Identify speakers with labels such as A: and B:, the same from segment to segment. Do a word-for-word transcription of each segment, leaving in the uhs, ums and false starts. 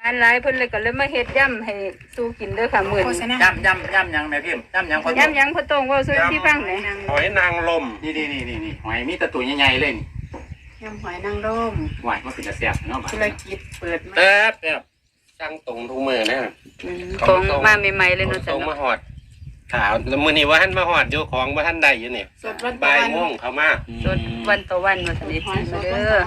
A: อันหลายเพิ่นเลยก็เลยมาเฮ็ดย่ำให้สู้กินเด้อค่ะมื้อนี้
B: ย่ำย่ำย่ำยังแม่พิมพ์ย่ำยังพอ
A: ย่ำยังพ่อตรงเว้าสู้ที่ฟังหน่อย
C: หอยนางรม
B: นี่นี่นี่นี่นี่หอยมีแตะตัวใหญ่ๆเลยนี่
D: ยำหอยนางรม
B: หอยมันเป็นกระแสบเนาะบ้า
D: ธุรกิจเปิดมา
C: แป๊บแป๊บสั่งตรงทุกมือนะ
A: ตรงมาใหม่ๆเลยเนาะ
C: ต
A: จ้ะ
C: รงมา
A: เนาะ
C: หอดขาวมือนี้ว่าท่านมาหอดอยู่ของว่าท่านใดอยู่นี่
D: สดวัน
C: บ่ายโมงเขามา
A: สดวันต่อวันว่าซั่น
D: หอย
A: สิ
D: ส
A: มา
D: ด
A: เด้
D: วัน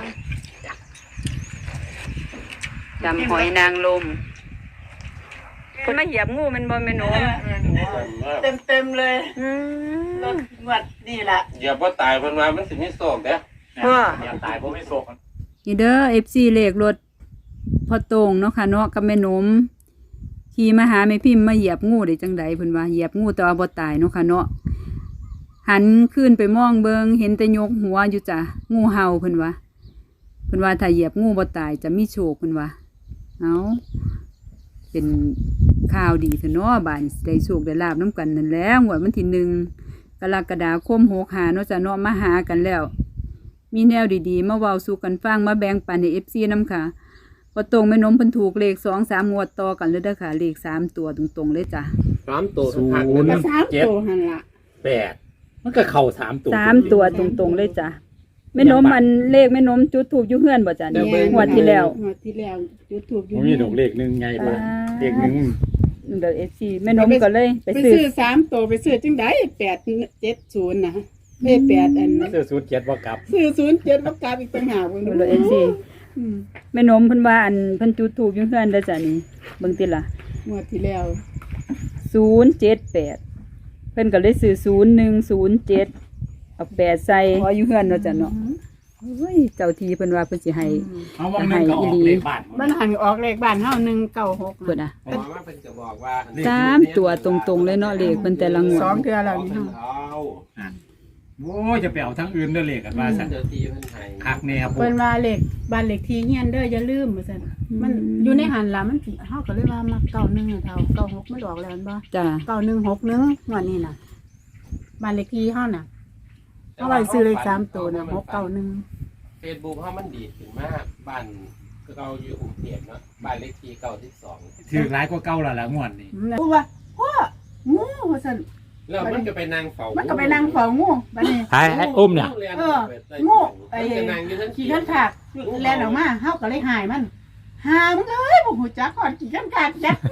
A: อจำหอยนางรมเพิ่นมาเหยียบงูมันบ่แม่นหนู
D: เต็มเต็มๆเลย
A: อื
D: ร
A: ม
D: ถงวดนี่แหละ
C: อย่าว่าตายเพิ่นว่ามันสิมีโศกเด้อ
A: พ่อ
B: อย่าตายเพราะไม่โศก
A: นี่เด้อ เอฟ ซี เลขรถพ่อโตงเนาะค่ะเนาะกับแม่นมขี่มาหาแม่พิมพ์มาเหยียบงูได้จังใดเพิ่นว่าเหยียบงูแต่ว่าบ่ตายเนาะค่ะเนาะหันขึ้นไปมองเบิงเห็นแต่ยกหัวอยู่จ้ะงูเห่าเพิ่นว่าเพิ่นว่าถ้าเหยียบงูบ่ตายจะมีโชคเพิ่นว่าเอาเป็นข่าวดีเถอะเนาะบ้านได้โชคได้ลาบนํกันนั่นแหล้วงวดวันที่หนึ่งกรกฎาคมหกห้าเนาะจ้ะเนาะมาหากันแล้วมีแนวดีๆมาเว้าสู่กันฟังมาแบ่งปันให้ เอฟ ซี นำค่ะพอตรงแม่นมเพิ่นถูกเลขสอง สามงวดต่อกันเลยเด้อค่ะเลขสามตัวตรงๆเลยจ้ะ
C: สามตัว
E: ศูนย์
C: พัก
D: กระ
C: นะ
D: ซ้ำโตหันละ
E: แปดมันก็เข่าสามตัว
A: สามตัวตรงๆเลยจ้ะแม่นมมันเลขแม่นมจุดถูกอยู่เฮือนบ่จ้ะนี่งวดที่แล้ว
D: งวดที่แล้วจุดถูกอยู่
E: มันมีดอกเลขหนึ่งไงบ่
A: อ่า
E: เลขหนึ่ง
A: เดี๋ยว เอฟ ซี แม่นมก็เลยไป
D: ไป
A: ซื้อ
D: ซื้อสามโตไปซื้อจังได้แปดเจ็ดศูนย์นะเอ้แปดอัน
E: เสื้อสูทเจ็ดว่ากลับ
D: ซื้อศูนย์เจ็ดประกาศอีกต่างหากเบิ่ง
A: เดี๋ยว เอฟ ซี
D: อืม
A: แม่นมเพิ่นว่าอันเพิ่นจุดถูกอยู่เฮือนเด้อจ้ะนี่เบิ่งติล่ะ
D: งวดที่แล้ว
A: ศูนย์เจ็ดแปดเพิ่นก็เลยซื้อศูนย์หนึ่งศูนย์เจ็ดเอาแปดใส่ขออยู่เฮือนเนาะจ้ะเนาะเฮ้ยเจ้าทีเพิ่นว่าเพิ่นสิให้
E: เอาวงหนึ่งก็ออกเลขบ้าน
D: มันหันออกเลขบ้านเฮาหนึ่งเก้าหก
A: เพิ่นน่ะ
C: เพราะว่าเพิ่นจะบอกว่า
A: สามตัวตรงๆเลยเนาะเลขเพิ่นแต่ละงวด
D: สองเทื่อแล้วนี่
C: เพิ่น
D: เฮา
C: เอา
E: โอ้ยจะไปเอาทั้งอื่นเด้อเลขกันว่าสั่น
C: เจ้าที่เพิ่นให้
E: คักแน่พว
D: เพิ่
E: ก
D: นว่าเลขบ้านเลขที่เฮียนเด้ออย่าลืมว่าซั่นมันอยู่ในหันล่ะมันสิเฮาก็เลยว่ามาเก้าหนึ่งเท่าเก้าหกมันออกแล้วแม่นบ่
A: จ้ะ
D: เก้าหนึ่งหกหนึ่งงวดนี้น่ะบ้านเลขที่เฮาน่ะเอาไว้ซื้อเลขสามตัวน่ะหกเก้าหนึ่ง
C: เฟซบุ๊กเฮามันดีขึ้นมากบ้านเราอยู่กรุงเทพเนาะบ้านเลขที่เก้าสิบสอง
E: ถือร้ายกว่าเก่าและละงวดนี่
D: พูดว่าพ่องูว่าซั่น
C: แล้วมันก็ไปนั่งเฝ้า
D: มันก็ไปนั่งเฝ้างูบัดนี้
E: ไอ้ไอ้อุ้มเนี่ย
D: เอองูไอ้
C: มันก็นั่งอยู่ทั้ง
D: ขี่กันขาดแล่นออกมาเฮาก็เลยหายมันหามึงเอ้ยบ่ฮู้จักก่อนขี่กันขาดจักงู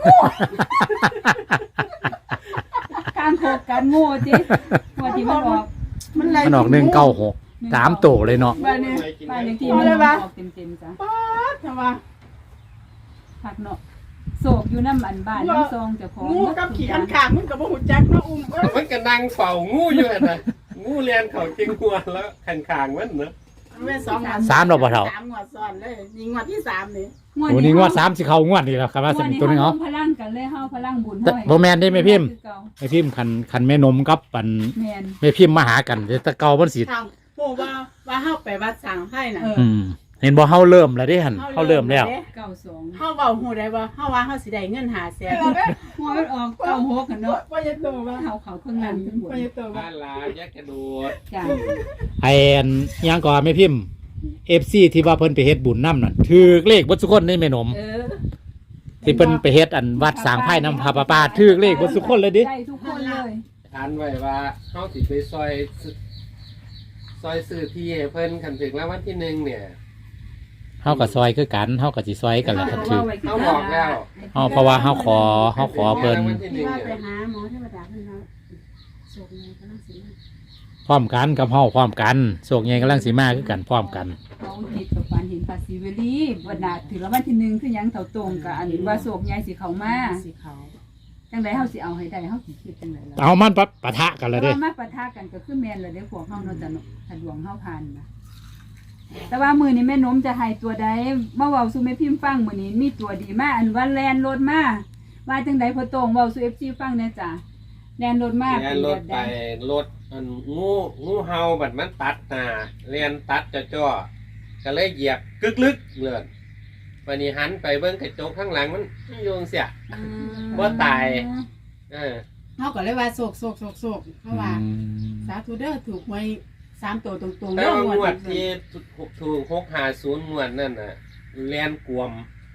A: การโคกการโง่จิงวดที่มันออก
D: มันเลย
E: มันออกหนึ่งเก้าหกสามตัวเลยเนาะ
D: บัดนี้
A: บ้านเลขที่มันออกเต็มๆจ้ะ
D: ป๊าดทำว่า
A: พักเนาะโศกอยู่น้ำอันบ้านน้ำซองเจ้าของ
D: งูกับขี่กันขาดมึงก็บ่ฮู้จักเนาะอุ้มเอ้ย
C: มันก็นั่งเฝ้างูอยู่หั่นน่ะงูเลียนเขาจริงหัวแล้วข้างๆมันเนาะ
D: แม่นสองงวด
E: สามเราบ่เท่า
D: สามงวดซ้อนเลยนี่งวดที่สามนี่
E: โอ้นี่งวดสามสิเข้างวดนี่แล้วครับว่าสิเป็นตัวนึง
A: เฮา
E: เนาะ
A: พลังกันเลยเฮาพลังบุญ
E: แต่
A: ห้อย
E: บ่แม่นได้แม่พิมพ์
A: คือเก่า
E: แม่พิมพ์คันคันแม่นมกับปัน
A: แม่น
E: แม่พิมพ์มาหากันแต่แต่เก่ามันสิ
D: ทางโหว่าว่าเฮาไปวัดสังไห้น่ะ
A: เออ
E: อืมเห็นบ่เฮาเริ่มแล้วเด้หั่นเฮาเริ่มแล้ว
A: เก้าสอง
D: เฮาเว้าฮู้ได้ว่าเฮาว่าเฮาสิได้เงินหาแสน
A: หัวมันออกเก้าหกกันเนาะ
D: บ่จะโตว่า
A: เขาเขาเครื่องนั้นเป็นบุญ
D: บ่จะโตว่า
C: บ้านลาแยกกระโดด
A: จ้ะ
E: ไอ้อันอิหยังก่อนแม่พิมพ์ เอฟ ซี ที่ว่าเพิ่นไปเฮ็ดบุญนำนั่นถือเลขเบ่ทุกคนในแม่นม
A: เออ
E: ที่เพิ่นไปเฮ็ดอันวัดสร้างไผ่นำพระปาปาถือเลขเบ่ทุกคนเลยดิ
A: ได้ทุกคนเลย
C: อันไว้ว่าเฮาสิไปซอยซื้อซอยซื้อที่ให้เพิ่นคันถึงแล้ววันที่หนึ่งเนี่ย
E: เฮาก็ซอยคือกันเฮาก็สิซอยกันแหละครับถือ
C: เฮาบอกแล้ว
E: เฮาเพราะว่าเฮาขอเฮาขอเพิ่น
C: วันที่ห
D: ที่
C: นึ่ง
D: ว่าไป
C: เนี่ย
D: หาหมอเทวดาเพิ่นเฮาโศกไงก็ต้องสิมา
E: พร้อมกันกับเฮาพร้อมกันโศกใหญ่กำลังสิมาคือกันพร้อมกัน
A: เขาจิตกับฝันเห็นภาษีเวลีวันนาถือแล้ววันที่หนึ่งคือหยังเท่าตรงกับอันว่าโศกใหญ่สิเขามา
D: สิเขา
A: จังไดเฮาสิเอาให้ได้เฮาสิคิดจังไดล่ะ
E: เอามันปะปะทะกันเลยเด้
A: ว่ามาปะทะกันก็คือแม่นแล้วเด้พวกเฮาเนาะจ้ะเนาะถ้าดวงเฮาผ่านนะแต่ว่ามื้อนี้แม่นมจะให้ตัวใดมาเว้าสู่แม่พิมพ์ฟังมื้อนี้มีตัวดีมาอันว่าแลนรถมาว่าจังไดพอตรงเว้าสู่ เอฟ ซี ฟังแหน่จ้ะแลนรถมา
C: เรีย
A: เป็น น
C: ร
A: แบ
C: ถ
A: บ
C: ไป
A: ใด
C: รถอันงูงูเห่าบัดมันตัดหน้าเรียนตัดจ่อๆก็เลยเหยียบกึกลึกเลยวันนี้หันไปเบิ่งกระจกข้างหลังมันโยงเสีย
A: อืม
C: บ่ตาย เออ
D: เฮาก็เลยว่าโศกโศกโศกโศกเพราะว่า
E: อืม
D: สาธุเด้อถูกหวยสามตัวตรงๆ
C: แต่
D: เด้อ
C: ว่าง
D: ง
C: ง
D: ว
C: ว
D: ด
C: ดที่ถูกหกห้าศูนย์งวดนั่นน่ะเรียนกวม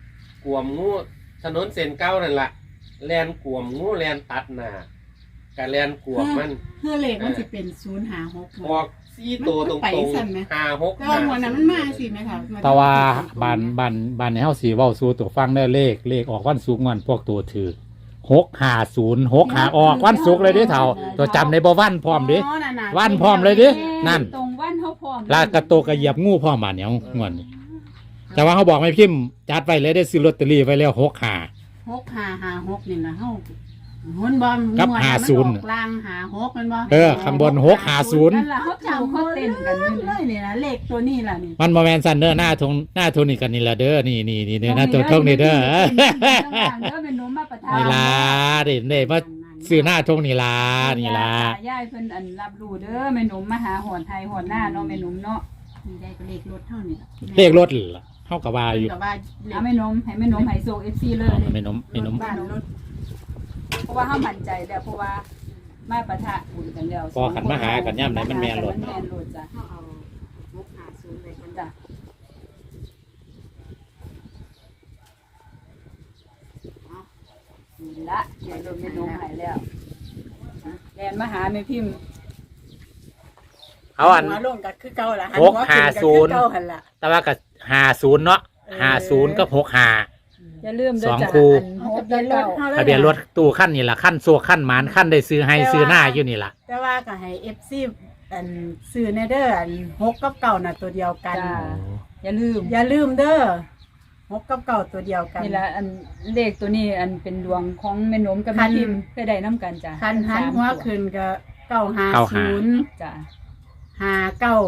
C: กวมงูถนนเส้นเก่านั่นล่ะแล่นกวมงูแล่นตัดหน้าก็แล่นกวมมัน
D: เพื่อเลขมันสิเป็นศูนย์ห้าหก
C: ออกสี่ตัวตรง
D: มันไป
C: ๆ
D: สั่นไหม
C: ห้าหก
D: แต่ว่าหัวนั้นมันมาสิไหมคะ
E: แต่ว่าบ้านบ้านบ้านในเฮาสิเว้าสู่ตัวฟังได้อเลขเลขออกวันศุกร์วันพวกตัวถือหกห้าศูนย์ หกห้าออกวันศุกร์เลยเด้เฒ่าตัวจำได้บ่วันพร้อมเด้
D: อ๋อน่ะๆ
E: วันพร้อมเลยเด้นั่น
A: ตรงวันเฮาพร้อม
E: ลากกระโตกกระเหยียบงูพร้อมบาดเนี่ยงวดนี้แต่ว่าเขาบอกไม่พิมพ์จัดไว้เลยได้ซื้อลอตเตอรี่ไว้แล้วหกห้า
D: หกห้าห้าหกนี่นะเฮาหุ่นบอม
E: กับ
D: หัว
E: ห้า
D: น่ะมัน
E: ศูนย์
D: ออกลางหาหกมันบ่
E: เออข้างบนหกห้าศูนย์
A: นั่นล่ะเฮาเจ้าเขาเต้นกันอยู่
D: เล
A: นี่
D: ยนี่นะเลขตัวนี้ล่ะนี่
E: มันบ่แม่นซันเด้อหน้าทงหน้าทงนี่กันนี่ละเด้อนี่นี่นี่เด้อหน้าตัวทงนี่เด้อ
A: เด้อเป็นหนูมาประทาน
E: นี่ล่ะเด้เด้มาซื้อหน้าทงนี่ล่ะนี่ล่ะ
A: ยายเพิ่นอันรับรู้เด้อแม่หนุ่มมาหาหอนไทยหอนหน้าเนาะแม่หนุ่มเนาะ
D: นี่ได้ก็เลขรถเท่านี้ล่ะ
E: เลขรถล่ะเฮาก็ว่าอยู่
D: แต่ว่าเลข
A: เอาแม่หนุ่มให้แม่หนุ่มให้ส่ง เอฟ ซี เลย
E: เอาไม่นมไม่นม
D: บ้านรถ
A: เพราะว่าเฮามั่นใจแล้วเพราะว่ามาปะทะบุญกันแล้ว
E: พอขันมาหากันย่ำไหนมันแม่นรถ
A: มันแม่นรถจ้ะ
D: เฮาเอาหกห้าศูนย์ไปคน
A: จ้ะนี่ละเดี๋ยวรถแม่หนุ่มให้แล้วแลนมาหาแม่พิมพ์
E: เอาอัน
D: หัวลงก็คือเก่าล่ะ
E: หกห้าศูนย์
D: หัวขึ้ก็คือเก่าหั่นล่ะ
E: แต่ว่าก็ห้าศูนย์เนาะห้าศูนย์กับหกห้า
A: อย่าลืมเด้อ
E: สอง
A: จ้ะ
E: คู่
A: อันหก
D: ทะเบียนร
A: เก้า
D: ถเฮา
E: ทะเบียนรถตู้ขั้นนี่ล่ะขั้นโซขั้นหมานขั้นได้ซื้อให้ซื้อหน้าอยู่นี่ล่ะ
D: แต่ว่าก็ให้ เอฟ ซี อันซื้อในเด้ออันหกกับเก่าน่ะตัวเดียวกัน
A: จ้าอย่าลืม
D: อย่าลืมเด้อหกกับเก่าตัวเดียวกัน
A: นี่ละอันเลขตัวนี้อันเป็นดวงของแม่หนมกับ
D: คั
A: แม่
D: น
A: พิมพ์เคยได้น้ำกันจ้ะ
D: คันหัน
A: สาม
D: หัว
A: ตัว
D: ขึ้นก็เก้าห้า
E: เก้า
D: ศู
E: ห้า
D: นย์
A: จ้ะ
D: ห้าเก้า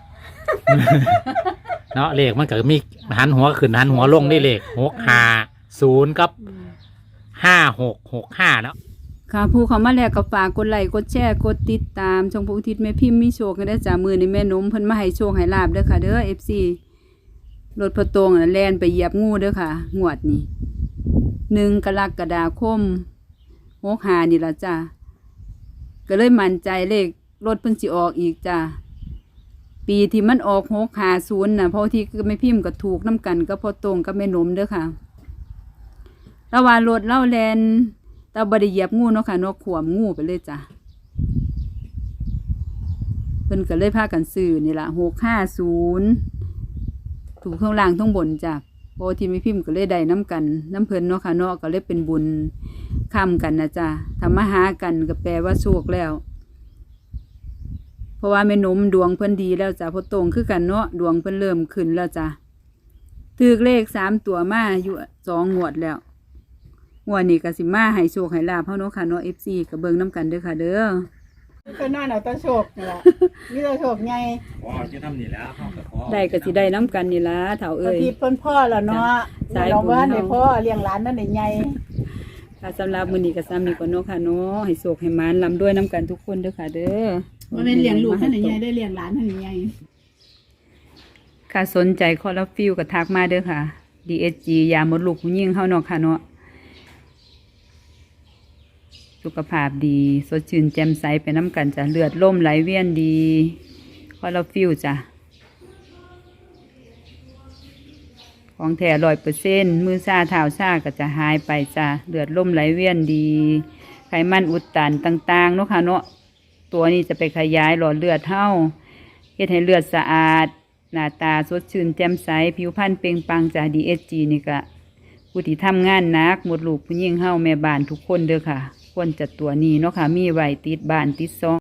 E: เนาะเลขมันก็มีหันหัวขึ้นหันหัวลงได้เลขหกห้าศูนย์กับห้าหกหกห้าเนาะค่ะผู้เขามาแล้วก็ฝากกดไลค์กดแชร์กดติดตามช่องผู้อุทิศแม่พิมพ์มีโชคกันได้อจ้ามือในแม่นมเพิ่นมาให้โชคให้ลาบเด้อค่ะเด้อ เอฟ ซี รถพอตรงน่ะแล่นไปเหยียบงูเด้อค่ะงวดนี้หนึ่งกรกฎาคมหกห้านี่ล่ะจ้าก็เลยมั่นใจเลขรถเพิ่นสิออกอีกจ้าปีที่มันออกหกห้าศูนย์น่ะเพราะที่ก็ไม่พิมพ์ก็ถูกน้ำกันก็พอตรงกับแม่นมเด้อค่ะระหว่างรถเล่าแลนแต่บริเหยียบงูเนาะค่ะเนาะขวมงูไปเลยจ้ะเพิ่นก็เลยพากันซื้อนี่ล่ะหกห้าศูนย์ถูกข้างล่างทั้งบนจ้ะโอที่ไม่พิมพ์ก็เลยได้น้ำกันน้ำเพิ่นเนาะค่ะเนาะก็เลยเป็นบุญค้ำกันนะจ้ะทำมาหากันก็แปลว่าโชคแล้วเพราะว่าแม่นมดวงเพิ่นดีแล้วจ้ะพอตรงคือกันเนาะดวงเพิ่นเริ่มขึ้นแล้วจ้ะถือเลขสามตัวมาอยู่สองงวดแล้วงวดนี้ก็สิมาให้โชคให้ลาภเฮาเนาะค่ะเนาะ เอฟ ซี ก็เบิ่งนํกันเด้อค่ะเด้อ
D: เพิ่นว่าเอาแตะโชคนี่ล่ะมีแตะโชคใหญ่
B: ว้าวจะทำนี่แล้วเขาก็ขอ
E: ได้ก็สิได้นํกันนี่ล่ะเฒ่า
D: บา
E: เอ้
D: ง
E: ย
D: ทีเพิ่นพ่อแล้วเนาะ
E: สายบุญ
D: เราว่าได้พ่อเลี้ยงหลานนั่นได้ใหญ่
E: ค่ะสำหรับมื้อนี้ก็ซ้ำนี้ก่อนเนาะค่ะเนาะให้โชคให้หมานร่ำรวยนํกันทุกคนเด้อค่ะเด้อ
D: บ่แม่นเลี้ยงลูกนั่นได้ใหญ่ได้เลี้ยงหลานนั่นได้ใหญ่
E: ค่ะสนใจคอลลาฟิลก็ทักมาเด้อค่ะ ดี เอส จี ยาหมดลูกผู้หญิงเฮาเนาะค่ะเนาะสุขภาพดีสดชื่นแจ่มใสไปน้ำกันจ้ะเลือดล่มไหลเวียนดีคอลลาฟิลจ้ะของแท้ร้อยเปอร์เซ็นต์มือซาเท้าซาก็จะหายไปจ้ะเลือดล่มไหลเวียนดี ไขมันอุดตันต่างๆเนาะค่ะเนาะตัวนี้จะไปขยายหลอดเลือดเฮาเฮ็ดให้เลือดสะอาดหน้าตาสดชื่นแจ่มใสผิวพรรณเปล่งปลั่งจ้ะ ดี เอส จี นี่ก็ผู้ที่ทำงานหนักหมดลูกผู้หญิงเฮาแม่บ้านทุกคนเด้อค่ะควรจะตัวนี้เนาะค่ะมีไว้ติดบ้านติดซอง